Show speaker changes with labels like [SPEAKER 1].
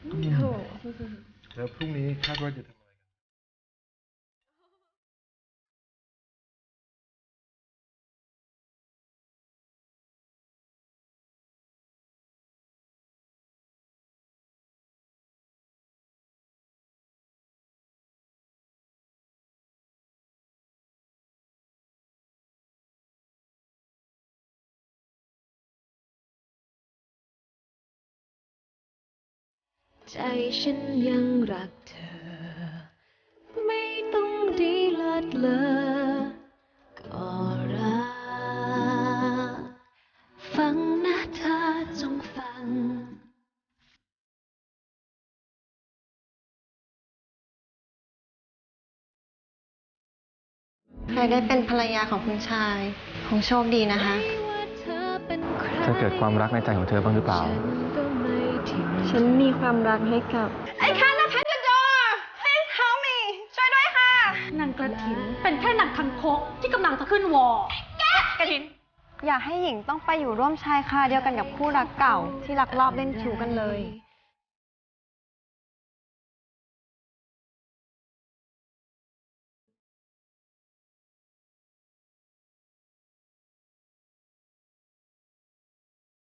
[SPEAKER 1] โห
[SPEAKER 2] แล้วพรุ่งนี้คาดว่าจะทำอะไรกัน
[SPEAKER 1] ใจฉันยังรักเธอไม่ต้องดีเลิศเลอก็รักฟังนะเธอจงฟัง
[SPEAKER 3] ใครได้เป็นภรรยาของคุณชายคงโชคดีนะคะ
[SPEAKER 4] เธอเกิดความรักในใจของเธอบ้างหรือเปล่า
[SPEAKER 3] ฉันมีความรักให้กับ
[SPEAKER 5] I cannot open the door please help me ช่วยด้วยค่ะ
[SPEAKER 6] นางกระถินเป็นแค่นางคังคกที่กำลังจะขึ้นวอ
[SPEAKER 5] กระถิน
[SPEAKER 3] อย่าให้หญิงต้องไปอยู่ร่วมชายคาเดียวกันกับคู่รักเก่าที่ลักลอบเล่นชู้กันเลย